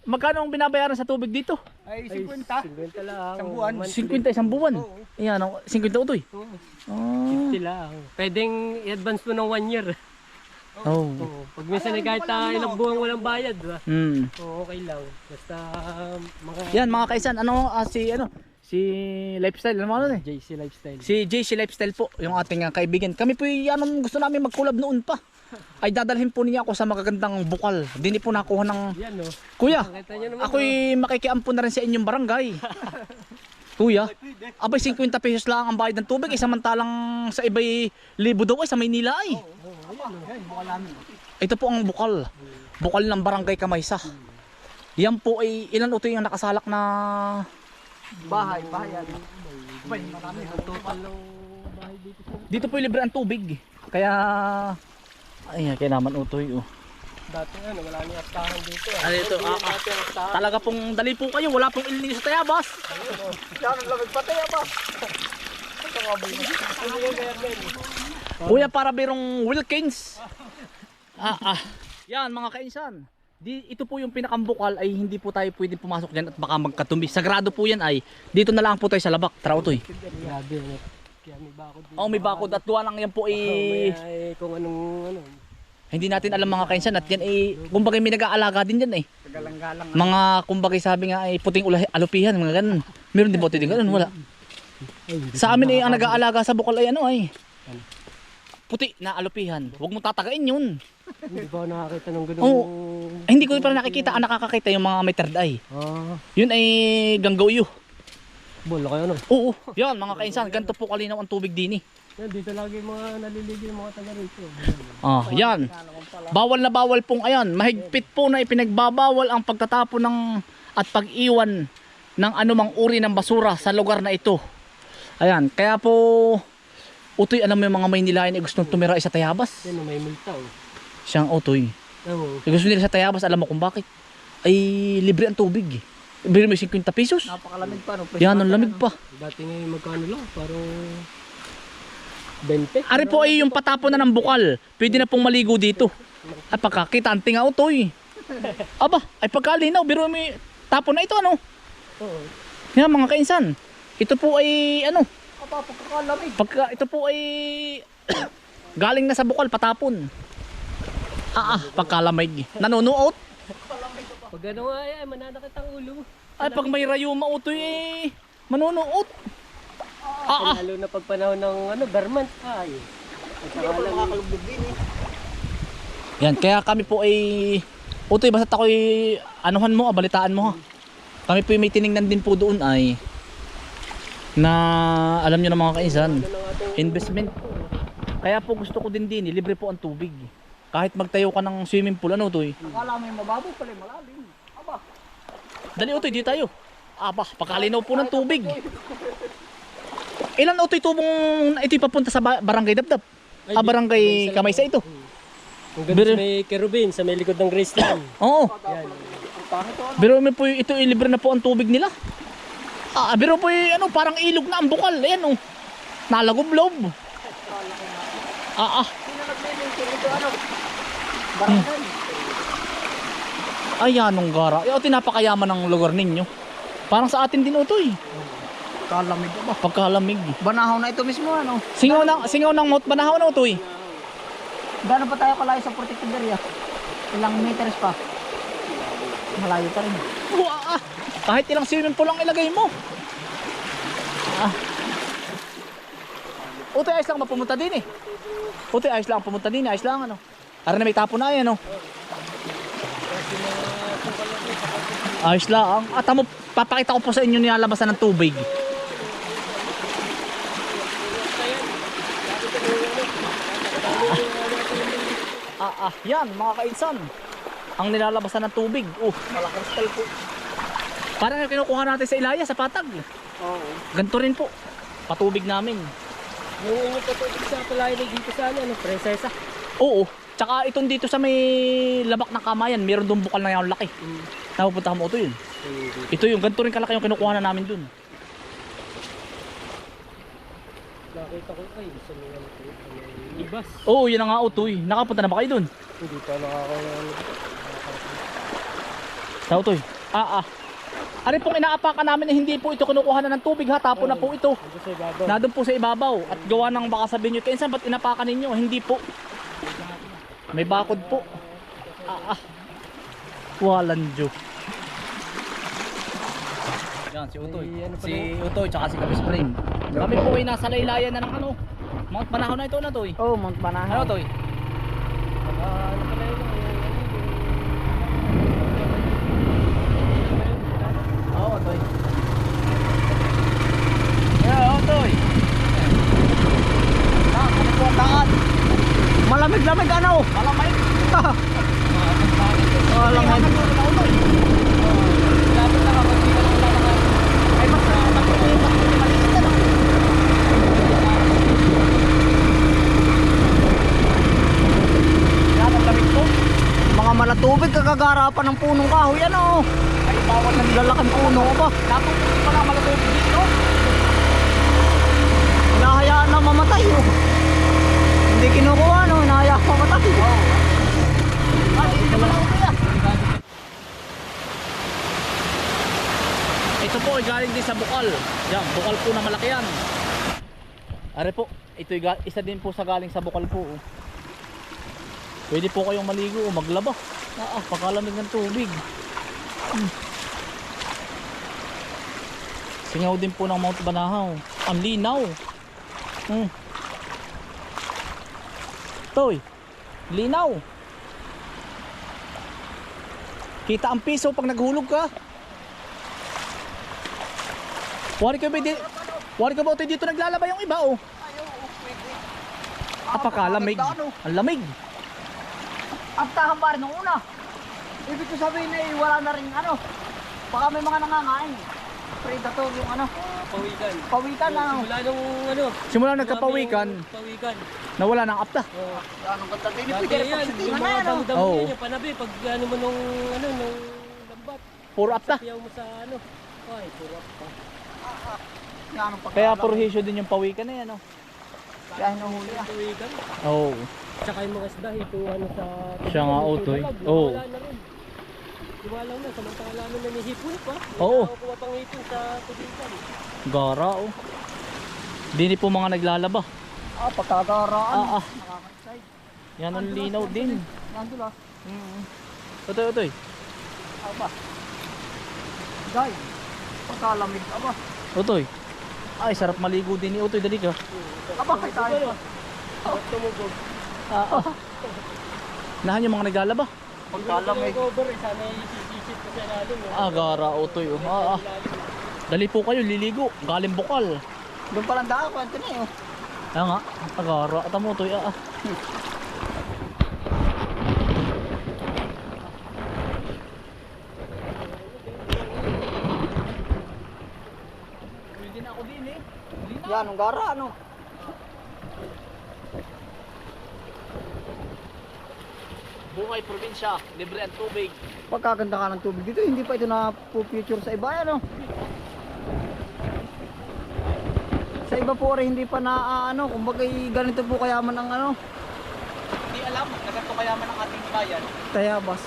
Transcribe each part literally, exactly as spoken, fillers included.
magkano ang binabayaran sa tubig dito? Ay, fifty. fifty lang. Isang buwan. fifty isang buwan. Oo. Ayan, ang fifty utoy. Oo. Oh. fifty lang. Pwedeng i-advance mo ng one year. Oh. Oo. Pag minsan ay kahit ah, ilang buwan walang bayad, ba? Hmm. Oo, okay lang. Basta um, mga Yan mga kaisan, ano ah, si ano? Si Lifestyle, ano ano eh? J C Lifestyle. Si J C Lifestyle po, yung ating uh, kaibigan. Kami po yung anong gusto namin mag-collab noon pa. Ay dadalhin po niya ako sa magagandang bukal. Dini po nakuha ng Yan no. Kuya. Nakita niyo naman. Ako'y makikiampo na rin sa inyong barangay. Kuya, abay fifty pesos lang ang bayad ng tubig, eh, samantalang sa iba'y libo daw ay sa Maynila ay. Ito po ang bukal. Bukal ng barangay Kamaysa. Yan po ay ilan utoy yung nakasalak na Bahay, bahayan. Bay, marami ang total ng bahay dito sa. dito po libre ang tubig. Kaya ay kaya naman utoy oh. Dati ano, wala nang astahan dito. Ano ito? Ah, ah, talaga pong dali po kayo, wala pong ilin sa Tayabas. Yan ang lamig patay ba? Kuya para birong Wilkins. Ah ah. Yan mga kainsan. Di, ito po yung pinakambukal ay hindi po tayo pwede pumasok diyan at baka magkatumi. Sagrado po yan ay dito na lang po tayo sa labak. Tara utoy. Grabe ano. Kaya may bakod dito. Oh, may bakod at duwa lang yan po Oh, eh. may, ay, kung anong ano. Hindi natin alam mga kainsan at yan eh kumbaga may nag-aalaga din diyan eh. Kagalang-galang. Mga kumbaga sabi nga ay puting ula, alupihan mga ganun. Meron din ba din ganun? Wala. Sa amin eh ang nag-aalaga sa bukal ay ano ay puti na alupihan. Huwag mo tatagain yun. Hindi ba nakakita ng ganung. Oo. Eh, hindi ko pa nakikita, ang nakakakita yung mga may third eye. Ah, Yun ay ganggoyo. bola kayo ano. Oo, yan mga kainsan, ganito po kalinaw ang tubig din eh. Yan, dito lagi mga naliligo yung mga taga rito. Ah, yan. Bawal na bawal pong ayan, mahigpit po na ipinagbabawal ang pagtatapon ng at pag-iwan ng anumang uri ng basura sa lugar na ito. Ayan, kaya po utoy alam mo yung mga Maynilayan ay gustong tumira sa Tayabas. Yan, may multa oh. Siyang utoy. Oo. Yung gusto nila sa Tayabas, alam mo kung bakit? Ay libre ang tubig eh. Libre mo fifty pesos. Napakalamig pa no. Yan, ang lamig pa. Dati ngayon magkano lang, parang twenty. Ari po ay yung patapon na ng bukal. Pwede na pong maligo dito. Ay pagkakita, anting nga utoy. Aba, ay pagkalinaw, biro may tapon na ito ano. Oo. Yan mga kainsan. Ito po ay ano, Aba, pagkakalamig. pagka ito po ay galing na sa bukal patapon. Ah, ah pagkalamig. Nanunuot. Pag ano nga ay, mananakit ang ulo. Ay pag may rayuma utoy eh manunuot. Ah, ah. Lalo na pag panahon ng ano, Vermont. Ay. At Hindi ako makakalugdog din eh. Yan, kaya kami po ay utoy basta ako'y anuhan mo, abalitaan mo ha. Kami po ay may tiningnan din po doon ay na alam nyo na mga kainsan, investment. Kaya po gusto ko din din, libre po ang tubig. Kahit magtayo ka ng swimming pool, ano utoy? Akala mo yung mababaw pala yung malalim. Aba. Dali utoy, di tayo. Aba, pagkalinaw po ng tubig. Ilan utoy tubong ito'y papunta sa ba- barangay Dabdab? Ah, barangay Kamaysa ito. Kung ganun sa may kerubin, sa may likod ng Graceland. Oo. Yan. Ang pangit to ano. Pero may po ito libre na po ang tubig nila. Ah, pero po ano, parang ilog na ang bukal. Ayan oh. Nalagoblob. Ah, ah. Sino naglilingkin ito ano? Barangay. Ay, anong gara. Ay, tinapakayaman ng lugar ninyo. Parang sa atin din utoy. Kalamig ba? Pagkalamig. Banahaw na ito mismo ano. Singaw ng singaw ng Mount Banahaw na utoy. Gaano pa tayo kalayo sa protected area? Ilang meters pa? Malayo pa rin. Wah, ah. Kahit ilang swimming pool lang ilagay mo. Ah. Utoy, ayos lang mapumunta din eh. Utoy, ayos lang pumunta din eh. Ayos lang ano. Ara na may tapo na yan oh. Ayos lang. At mo, papakita ko po sa inyo nilalabasan ng tubig. Ah, ah, yan mga kainsan. Ang nilalabasan ng tubig. Oh, Malaking style po. parang yung kinukuha natin sa Ilaya, sa Patag. Oo. Ganito rin po. Patubig namin. Yung inyo patubig sa palayan dito sa ano, Prinsesa. Oo. Tsaka itong dito sa may labak ng Kamayan, meron doon bukal na yung laki. Mm. Napupunta mo ito yun. Ito yung ganito rin kalaki yung kinukuha na namin doon. Nakita ko ay sa mga ano, ibas. Oo, yun na nga utoy. Nakapunta na ba kayo doon? Hindi pa nakakaya. Sa utoy. Ah, ah. Ano pong inaapakan namin eh, hindi po ito kinukuha na ng tubig ha, tapon na po ito. Ando sa ibabaw. Nandun po sa ibabaw at gawa ng baka sabihin nyo, kaya ba't inapakan ninyo? Hindi po. May bakod po. Ah, ah. Walang Diyo. Yan, si Utoy. Ay, ano pala Si Utoy, tsaka si Kapi Spring. Kami po ay nasa laylayan na ng ano. Mount Panahon na ito na Toy. Oh, Mount Banahaw. Ano Toy? Ah, ano pala yun? Oo, Toy. Yeah, Utoy. Ah, kami po ang daan. Malamig-lamig ano? Malamay. Malamig. Lapit na kapag di ka lang lalakad. Ay, mas maliit na lang. Yan, ang lamig po. Mga malatubig kagagarapan ng punong kahoy ano. Ay, bawal na Lalaking puno ba? Napupulot pa lang malatubig dito. Hinahayaan na mamatay oh. Hindi kinukuha no, hinahayaan mamatay. Ah, hindi naman ako kaya. Ito po ay galing din sa bukal. Yan, bukal po na malaki yan. Are po, ito ay ga- isa din po sa galing sa bukal po. Oh. Pwede po kayong maligo o maglaba. Ah, ah, pagkalamig ng tubig. Hmm. Singaw din po ng Mount Banahaw. Ang linaw. Hmm. Toy, linaw. Kita ang piso pag naghulog ka. Wari ka ba di Wari ka ba ito dito naglalaba yung iba oh. Apakalamig. Ang lamig. Aptahan pa rin nung una. Ibig ko sabihin na eh, wala na rin ano. Baka may mga nangangain. Predator yung ano. Pawikan. Pawikan na ano. Simula nung ano. Simula nagkapawikan, yung Pawikan. nawala ng apta. Oh. Anong ganda din. Dati Pwede rin yan, pagsitingan yung na mga yan oh. damo-damo Oo. yan, yung panabi, pag ano mo nung, ano, nung lambat, Puro apta. piyaw mo sa ano, ay, purap pa. Yan ang Kaya pagkakalam. puro hisyo din yung pawikan na yan oh. Kaya hinuhuli ah. Pawikan, Oo. tsaka yung mga isda, ito ano sa... Siya nga, ito Otoy. dalag, Oo. Wala na rin. Wala na, samantala namin na nihipon pa. Oo. Hindi na pang hipon sa tubigan. Gara oh. Dini po mga naglalaba. Ah, pagkagaraan. Ah, ah. Nakaka-excite. Yan ang linaw din. Nandun ah. Mm. Utoy, utoy. Aba. Guy. Pagkalamig. Aba. Utoy. Ay, sarap maligo din ni Utoy. Dali ka. Aba, kay tayo pa. At tumugog. Ah, ah. Nahan yung mga naglalaba. Pagkalamig. Yung cover, eh, sana isisisip ko sa ilalim. eh. Ah, gara Utoy. Oh. Ah, ah. Dali po kayo, liligo. Galing bukal. Doon palang daan, kwento na yun. Kaya nga, agara. At mo Utoy. Ah, ah. Pwede na ako din eh. Yan, ang gara, ano? Buhay probinsya, libre ang tubig. Pagkaganda ka ng tubig dito, hindi pa ito na future sa iba, ano? Sa iba po rin hindi pa na ah, ano, kumbaga ganito po kayaman ang ano, Hindi alam, nagkato kayaman ang ating bayan. Tayabas.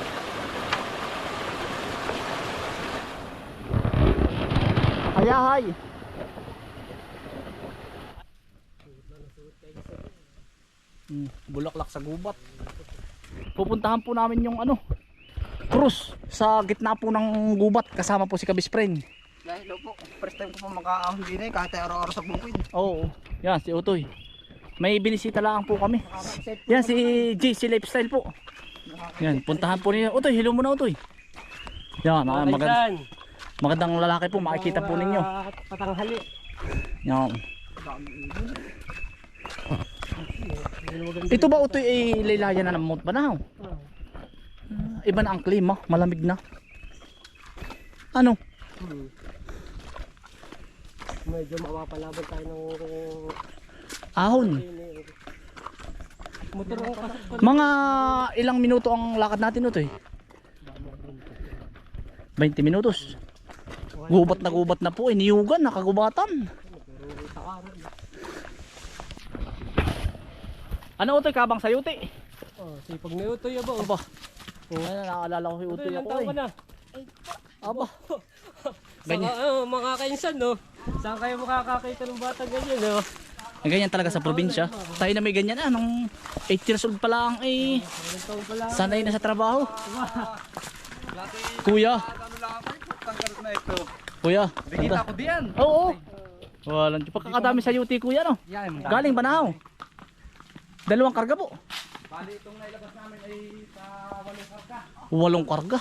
Ayahay. Hmm, bulaklak sa gubat. Pupuntahan po namin yung ano, cruise sa gitna po ng gubat kasama po si Kabispren. Dahil po, first time ko po makaahon din eh, kahit araw-araw sa bukid. Oo, yan si Utoy. May binisita lang po kami. Yan si J C Lifestyle po. Yan, puntahan po niyo. Utoy, hello muna Utoy. Yan, ah, magand Kaisan, magandang lalaki po, makikita po ninyo. mga patanghali. Yan. Ito ba Utoy ay laylayan na ng Mount Banahaw? Ah. Ah, iba na ang klima, malamig na. Ano? Hmm. Medyo mapapalaban tayo ng Ahon. motor ko kasi Mga ilang minuto ang lakad natin Utoy? twenty minutos. Gubat na gubat na po, iniyugan, nakagubatan. Ano Utoy, kabang sayuti? Oh, sipag na utoy ba? Aba, ano, nakaalala ko si Utoy Utoy, ilang ako taon eh. ka na? Aba. Saka, Ganyan. oh, mga kainsan, no? Saan kayo makakakita ng bata ganyan, no? Ay, ganyan talaga sa probinsya. Tayo na may ganyan ah, nung eight years old pa lang eh. Ilang taon pa lang. Sanay na sa trabaho. Kuya. Ano lang ako, tanggal na ito. Kuya. Bigita ko diyan. Oo. Walang pagkakadami sa U T kuya no. Yan. Galing Banahaw. Dalawang karga po. Bali itong nailabas namin ay sa walong karga. Walong karga.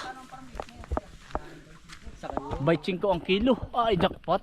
Sa kanya. Baitsing ko ang kilo. Ay, jackpot.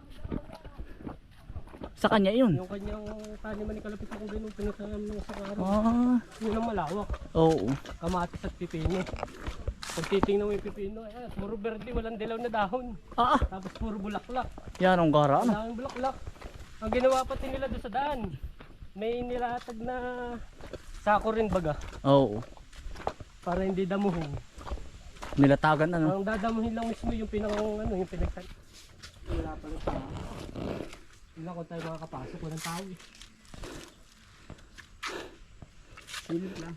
Sa kanya yun. Yung kanyang taniman ni Kalapit akong ganun, pinasama nung sa araw. Ah, Yun ang malawak. oo. Kamatis at pipino. Pag titingnan mo yung pipino, eh, puro verde, walang dilaw na dahon. Ah, ah. Tapos puro bulaklak. Yan ang gara Ang ano. daming bulaklak. Ang ginawa pati nila doon sa daan, may nilatag na sako rin baga Oo. para hindi damuhin. Nilatagan ano. Ang dadamuhin lang mismo yung pinakang ano, yung pinagtan. Wala pala tao. Wala kung tayo makakapasok, walang tao eh. Silip lang.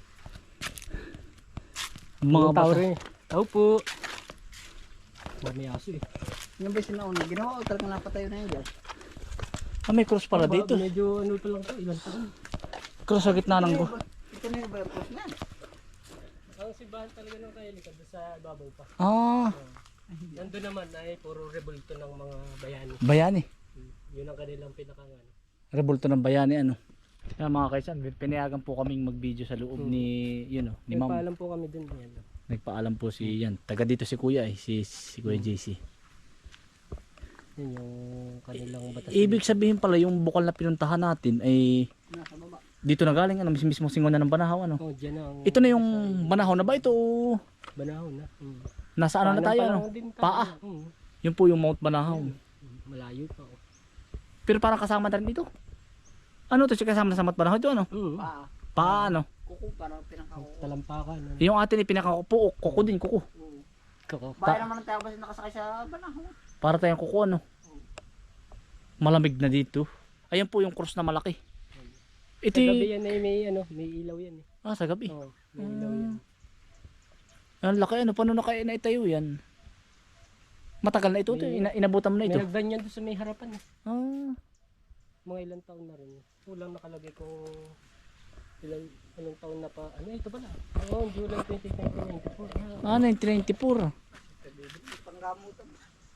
Mga tao bata. rin. Tao po. May aso eh. Yung ba sinauna, ginawa ko talagang napatayo na yun dyan. Ah, may cross pala Ba- dito. Medyo ano pa lang to, ilang taon. Cross sa gitna ng go. Ito na yung verpos na. Ang simbahan talaga ng Kayalikad doon sa ibabaw pa. Ah, Nandun naman ay puro rebulto ng mga bayani. bayani. Yun ang kanilang pinakang ano. Rebulto ng bayani ano. Yan mga kaisan, pinayagan po kaming mag-video sa loob Hmm. ni, yun oh, ni Ma'am. Nagpaalam po kami dun. Yan. Nagpaalam po si yan. Taga dito si Kuya eh, si, si Kuya J C. Yun yung kanilang batas. Ibig sabihin pala yung bukal na pinuntahan natin ay Nasa baba. dito na galing ano, mismo mismo singonan ng Banahaw ano. Oh, dyan ang Ito na yung Banahaw na ba ito? o Banahon na. Hmm. Nasa ano na tayo ano? Paa. Hmm. Yun po yung Mount Banahaw. Malayo pa. Oh. Pero parang kasama na rin dito. Ano to, siya kasama na sa Mount Banahaw ito ano? Hmm. Paa. Paa ano? Kuko, parang pinakakuko. Talampakan. Ano. Yung atin ipinakakupo, kuko din kuko. Kako. Bahay naman ang tayo kasi nakasakay sa Banahaw. Para tayong kuko ano. Malamig na dito. Ayan po yung cross na malaki. Ito Sa gabi y- yan ay may ano, may ilaw yan eh. ah, sa gabi. Oh, may ilaw yan. Ang laki ano, paano na kaya naitayo yan? Matagal na ito, ito. Ina inabutan mo na May ito. nagganyan doon sa may harapan eh. Ah, Mga ilang taon na rin. Kulang nakalagay kung ilang, ilang taon na pa. Ano ito pala? Oo, oh, July twenty, nineteen ninety-four. Ah, ah nineteen ninety-four. Panggamutan.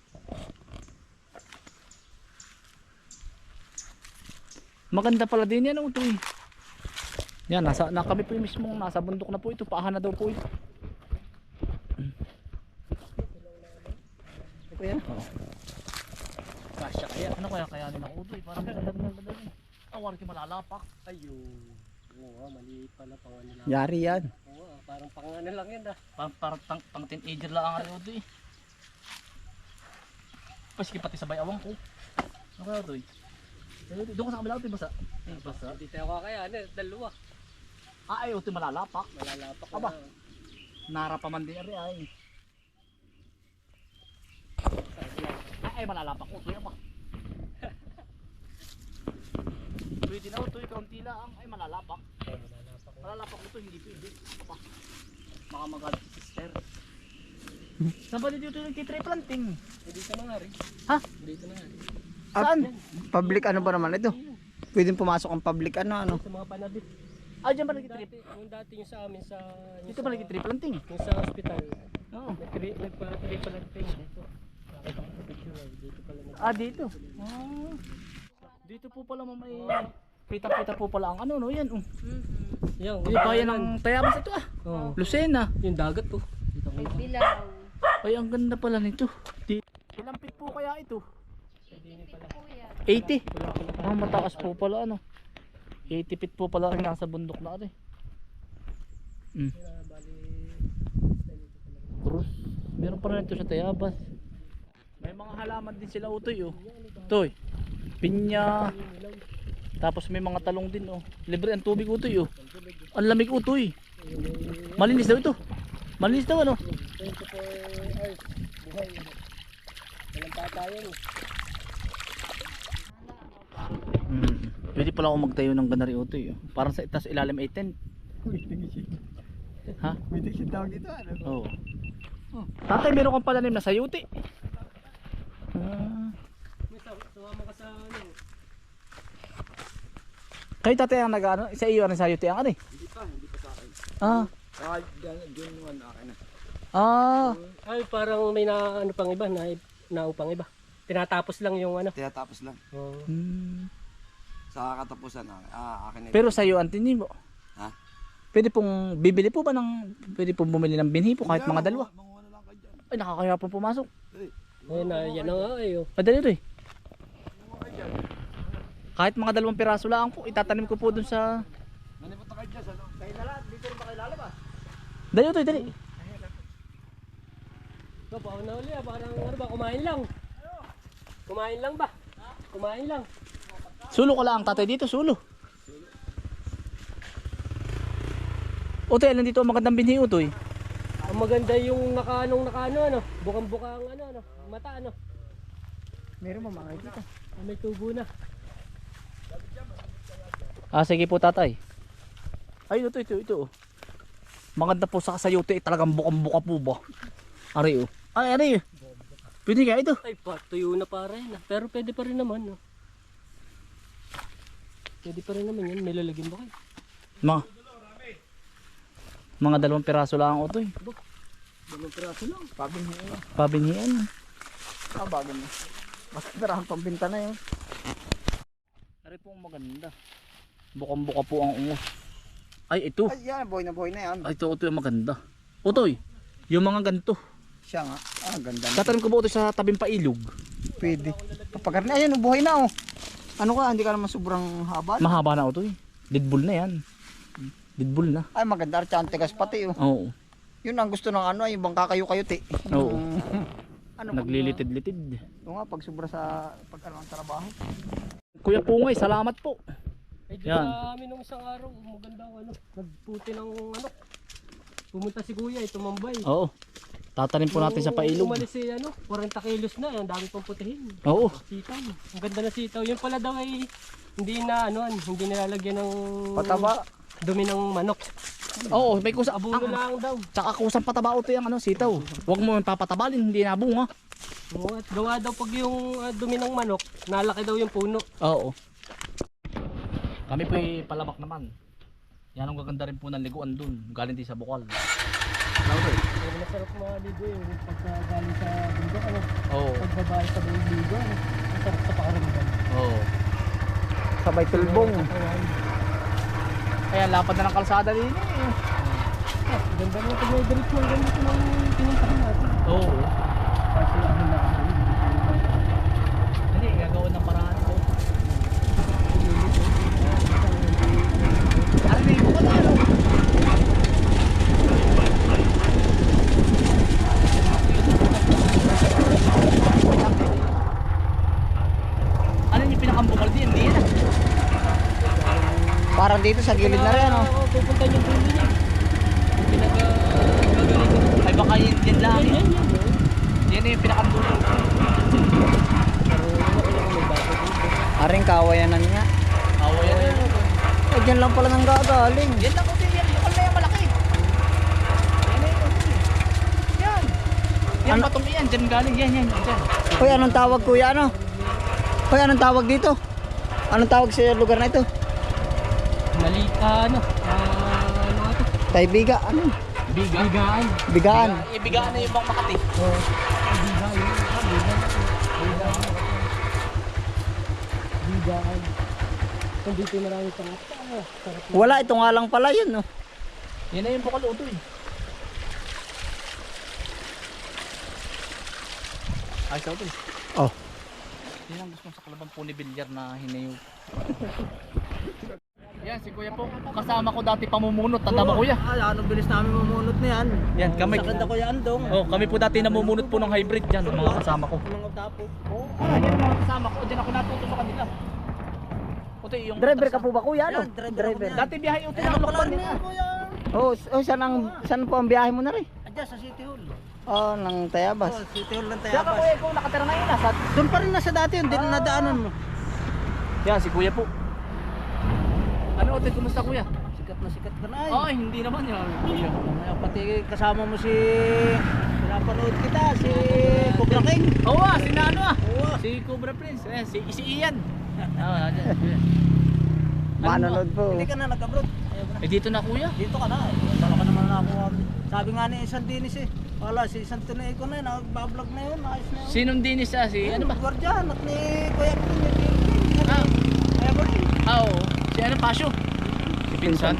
Maganda pala din yan, ito eh. Yan, nasa, na kami po yung mismong nasa bundok na po ito. Paahan na daw po ito. Kuya? Kasya kaya, ano kaya kaya nila ito eh. Parang maganda na maganda yun. Awar ki malalapak. ayun. Oo nga, maliit pala pang ano lang. Yari yan. Oo nga, parang pang ano lang yan ah. Parang parang pang, pang teenager lang ang ano ito eh. Paski pati sabay awang ko. Ano kaya ito eh? Eh, doon ka sa kabila ito eh, basa. Eh, basa. Hindi tayo kakayanin, dalawa. Ah, ay, ito malalapak. Malalapak na. Aba. Nara pa man din ari ay. Ay, ay malalapak ko ito pa. Pwede na ito, kaunti lang. Ay, malalapak. Ay, malalapak na. Malalapak ito, hindi pwede. Apa. Baka magalit si sister. Saan ba dito yung titray planting? Eh, dito na nga rin. Ha? Dito na nga rin. Saan? Public ano ba naman ito? Pwedeng pumasok ang public ano ano. Sa mga panabit. Ah, dyan ba nag-trip? Dati, yung dati yung sa amin sa... Yung Dito sa, ba nag-trip planting? Yung sa hospital. Oo. Nag-trip nagpa-trip pala dito. Nakita ko sa picture eh. Dito pala nag- Ah, dito. Ah. Dito po pala mamay. Pita-pita po pala ang ano, no? Yan, oh. Yan, Di ba yan ang tayabas ito ah? Oo. Lucena. Yung dagat to. Dito ko. Bilaw. Ay, ang ganda pala nito. Di ilang feet po kaya ito? Dini pala. eighty. Ah, mataas po pala ano. eighty feet po pala rin nasa bundok na rin. Mm. Kaya bali... Cruz. Meron pa rin ito sa Tayabas. May mga halaman din sila utoy oh. Toy. Pinya. Tapos may mga talong din oh. Libre ang tubig utoy oh. Ang lamig utoy. Malinis daw ito. Malinis daw ano. twenty-four hours. Buhay. Walang patayan eh. Mm. Pwede pala ako magtayo ng ganari utoy oh. Parang sa itas ilalim ay tent. Ha? Pwede siya tawag dito ano. Oo. Tatay, meron kang palanim na sayuti. Ah. May sa- sumama ka sa ano. Kayo tatay ang nag-ano, sa iyo ang sayuti ang ano eh. Hindi pa, hindi pa sa akin. Ah. Saka dyan yung ano akin na. Ah. Ay, parang may na ano pang iba, na naupang iba. Tinatapos lang yung ano. Tinatapos lang. Oh. Hmm. Sa katapusan, ah, akin na. Pero sa iyo ang tinin mo. Ha? Pwede pong bibili po ba ng pwede pong bumili ng binhi po kahit mga dalawa. Manguha na lang kayo dyan. Ay nakakaya pong pumasok. Ayun na, yan na nga eh. Oh. Madali ito eh. Kahit mga dalawang piraso lang po, itatanim ko po dun sa... Nanipunta kayo dyan, ano? Kayo na lahat, dito rin ba kayo lalabas? Dali ito eh, dali. So, paano na uli ah, parang ano ba, kumain lang. Kumain lang ba? Kumain lang. Sulo ko lang tatay dito, sulo. Utoy, alam dito ang magandang binhi utoy. Ang maganda yung nakaanong nakaano ano, bukang-buka ang ano ano, mata ano. Meron mo mga dito. Ah, may tubo na. Ah, sige po tatay. Ay, ito, ito, ito. Oh. Maganda po sa kasayuti, eh, talagang bukang-buka po ba? Ari oh. Ay, ari. Pwede kaya ito. Ay, patuyo na para yan ah. Pero pwede pa rin naman no. Pwede pa rin naman yan, may lalagyan ba kayo? Mga, mga dalawang piraso lang ang utoy. Dalawang piraso lang. Pabinhiin. Pabinhian. Ah, bago na. Basta pirahan pambinta na yun. Ari po ang maganda. Bukang-buka po ang ungos. Ay, ito. Ay, yan. Boy na boy na yan. Ay, ito, ito yung maganda. Utoy, yung mga ganito. Siya nga. Ah, ganda na. Tatanim ko ba ito sa tabing pailog? Pwede. Kapag na, ayun, buhay na oh. Ano ka, hindi ka naman sobrang haba. Mahaba na utoy. Deadbull na yan. Deadbull na. Ay, maganda. Archa, ang tigas pati oh. Oo. Yun ang gusto ng ano, ay yung bangka kayo kayo ti. Oo. Ano, Naglilitid-litid. Oo nga, pag sobra sa pag ano, ang trabaho. Kuya Pungay, salamat po. Ay, di Yan. ba amin nung isang araw, maganda ang ano, nagputi ng ano. Pumunta si Kuya, eh, tumambay. Oo. Tatanim po natin sa Nung pailog. Umalis si ano, forty kilos na, ang dami pang putihin. Oo. Sitaw. Ang ganda na sitaw. Yun pala daw ay hindi na ano, hindi nilalagyan ng Pataba. dumi ng manok. Oo, may kusa. Abuno Ang, lang daw. tsaka kusang pataba ito yung ano, sitaw. Huwag mo yung papatabalin, hindi nabunga. Oo, at gawa daw pag yung ah, dumi ng manok, nalaki daw yung puno. Oo. Kami po ay palabak naman. Yan ang gaganda rin po ng liguan dun. Galing din sa Bukal. Pero masarap maligo yung pagka galing sa bundok, ano, Oo. pagbabae sa ligo, ano, masarap sa pakaramdam. Oo. Sabay tulbong. Ayan. Kaya lapad na ng kalsada din eh. Ah, ganda mo pag may diretso ng ganito ng pinuntahan natin. Oo. Kasi ano na ako. Hindi, gagawin ng paraan ko. Ano na yung ano? Ano yung pinakambukal din? Hindi yan ah. Parang dito sa gilid na rin ano. Oo, pupunta yung puno niya. Yung pinag-gagaling. Ay baka yun din lang. Yan, yan, yan. Yan yung pinakambukal. Pero wala ko lang may bago dito. Aring kawayanan nga. Awa yan yun. Eh, dyan lang pala nang gagaling. Yan lang kasi yan. Bukal na yan malaki. Yan na yun. Yan. Yan Ano? patong yan. Dyan galing. Yan yan. Dyan. Hoy, anong tawag kuya ano? Hoy, anong tawag dito? Anong tawag sa lugar na ito? Mali, ah, ano, ah, ano nga to? Taybiga, ano? Biga. Bigaan. Bigaan. Ibigaan na yung bang Makati. Oo. Bigaan. Ah, bigaan. Bigaan. Bigaan. Kung dito marami pang ah, sarap na. Wala, ito nga lang pala yun, no? Yan na yung bukal uto eh. Ay, sa uto eh. Oh. Yan ang gusto sa kalabang po ni Bilyar na hinayo. Yan, si Kuya po. Kasama ko dati pamumunot. Tanda mo Kuya? Ah, anong bilis namin mamunot na yan? Yan, kami. Sa kanda ko yan, dong. Oh, kami po dati namumunot po ng hybrid dyan, mga kasama ko. Mga tapo. Oh, ah, yan mga kasama ko. Diyan ako natuto sa kanila. Uto yung Driver ka po ba kuya, no? Driver. Dati biyahe uto ng Lokban nila. Oh, s- oh, saan, ang, saan po ang biyahe mo na rin? Adyan sa City Hall. Oh, ng Tayabas. City Hall ng Kaya ka Kuya, ikaw nakatira ngayon nasa. Doon pa rin nasa dati yun, din Ah. nadaanan mo. Yan, si Kuya po. Ano uto, kumusta Kuya? Sikat na sikat ka na Ay, hindi naman yan. Kuya. Pati kasama mo si Napanood kita, si Cobra King. Oo ah, si Nano ah. Oo. Si Cobra Prince. Eh, si, si Ian. Oo, Manonood po. Hindi ka na nag-abroad. Eh dito na kuya. Dito ka na. Eh. Wala ka naman na ako. Sabi nga ni isang dinis eh. Wala, si isang tunay ko na yun. Nagbablog na yun. Ayos na yun. Sinong dinis ah? Si ano ba? Guardian at ni Kuya Pin. Ah, Kuya Pin. ah, oo. Si ano Pasyo? Si Pinsan.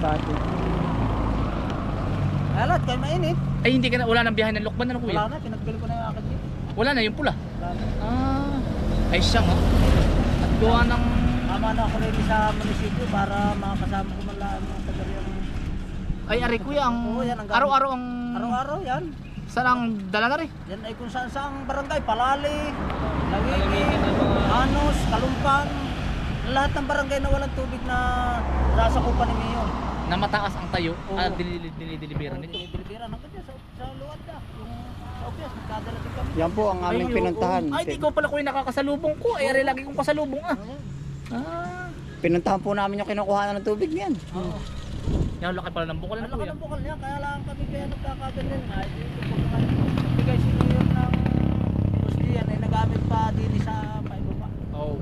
Alat, kayo mainit. Ay hindi ka na, wala nang biyahe ng Lokban na no, kuya? Wala na, pinagbili ko na yung akin dito. Wala na yung pula. Wala na. Ah, ay siya nga. At gawa ng... Tama na ako rin sa munisipyo para makasama ko man lang mga taga-riyan. Ay ari kuya, ang Oo, yan ang gamit. araw-araw ang... Araw-araw yan. Saan ang dala na rin? Yan ay kung saan saang barangay. Palali, Lawigi, Anos, Kalumpang. Lahat ng barangay na walang tubig na sasakupan ni Mayo. Na mataas ang tayo Oo. at dinideliveran nito. Dinideliveran hanggang dyan sa, sa luwad na. Yung sa Opias, nagdadala din kami. Yan po ang aming Ay, pinuntahan. Ay, di ko pala kuya nakakasalubong ko. Ay, ari lagi kong kasalubong ah. Ayan. Ah. Pinuntahan po namin yung kinukuha ng tubig niyan. Oo. Yan, laki pala ng bukal Ang na laki kuya. ng bukal niya, kaya lang kami kaya nagkakaganyan. Ay, dito po naman. Bigay si Mayor ng Gustian ay nagamit pa din sa paibaba. Oo.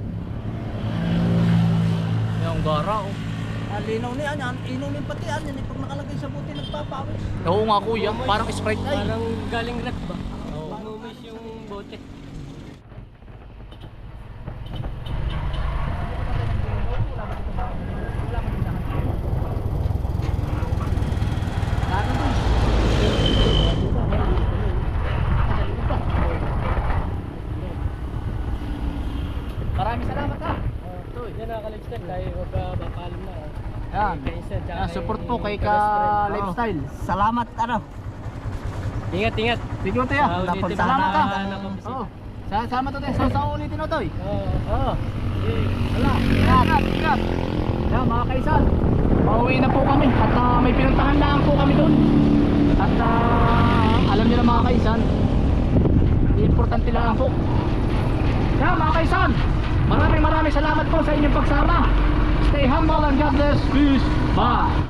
Yung gara oh. Ang linaw niya, yan, inaw niya pati yan. Yan, pag nakalagay sa buti, nagpapawis. Oo nga kuya, parang Sprite ay. Parang galing rep ba? Oo. Umumis yung bote. Maraming salamat ha. Ito, yan nakaka-lifestyle tayo magpapaalam na. Yan. Kay Insan, tsaka Ah, support po kay ka best friend. lifestyle. Salamat, ano. Ingat, ingat. Sige mo tayo. Ah, ulitin mo. Salamat ha. Ah, nakapisi. Oo. Sa sama to tayo. Sa sa ulitin mo to eh. Oo. Oo. Wala. Ingat, ingat. Yan mga kaisan. Pauwi na po kami at ah, may pinuntahan lang po kami doon. At ah, alam niyo na mga kaisan, importante lang po. Yan mga kaisan, maraming maraming salamat po sa inyong pagsama. Stay humble and God bless. Peace. Bye.